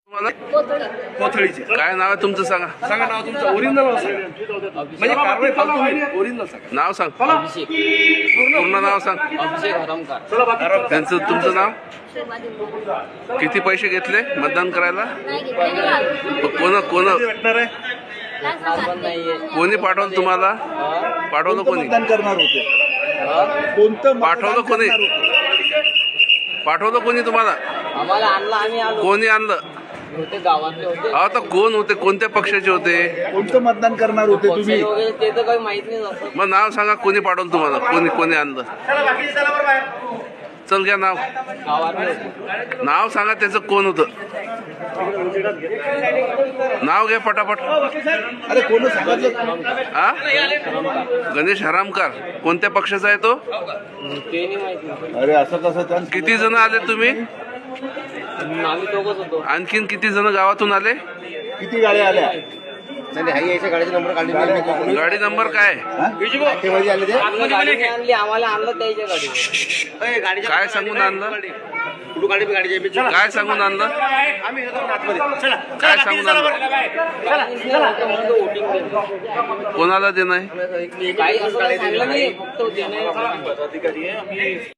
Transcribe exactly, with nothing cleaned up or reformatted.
कोथळीचे काय नाव आहे तुमचं सांगा. सांगा नाव तुमचं ओरिजिनल म्हणजे कारवाई फालतू नाही ओरिजिनल सांगा. नाव सांग. अभिषेक पूर्ण नाव सांग. अभिषेक हरमकर. चला बाकी त्यांचं तुमचं नाव. किती पैसे घेतले मतदान करायला. कोण कोण भेटणार आहे पण नाहीये. कोणी पाठवलं तुम्हाला. पाठवलं कोणी. मतदान करणार होते कोणतं पाठवलं कोणी. पाठवलं कोणी तुम्हाला. आम्हाला आणलं आम्ही आलो. कोणी आणलं. होते गावातले होते. अहो तर कोण होते. कोणत्या पक्षाचे होते. कोणतं मतदान करणार होते पक्ष तुम्ही वगैरे ते तर काही माहित नाही असं. मग नाव सांगा. कोणी पाठवलं तुम्हाला. कोणी कोणी आणलं. चल घ्या नाव. गावातले होते. नाव सांगा त्याचं कोण होतं. नाव घ्या पटापट. अरे कोण सांगितलं हा गणेश हरामकर. कोणत्या पक्षाचा आहे तो. ते नाही माहिती. अरे असं कसं त्या किती जण आले तुम्ही. आम्ही दोघच होतो. आणखीन किती जण गावातून आले. किती गाड्या आल्या गाडी नंबर काय. आम्ही गाडी आणली आम्हाला आणलं त्याच्या गाडी. काय सांगून आणलं. काय सांगून आणलं. काय सांगून आणलं. कोणाला देणं आहे. काही असं सांगलं नाही फक्त देणं.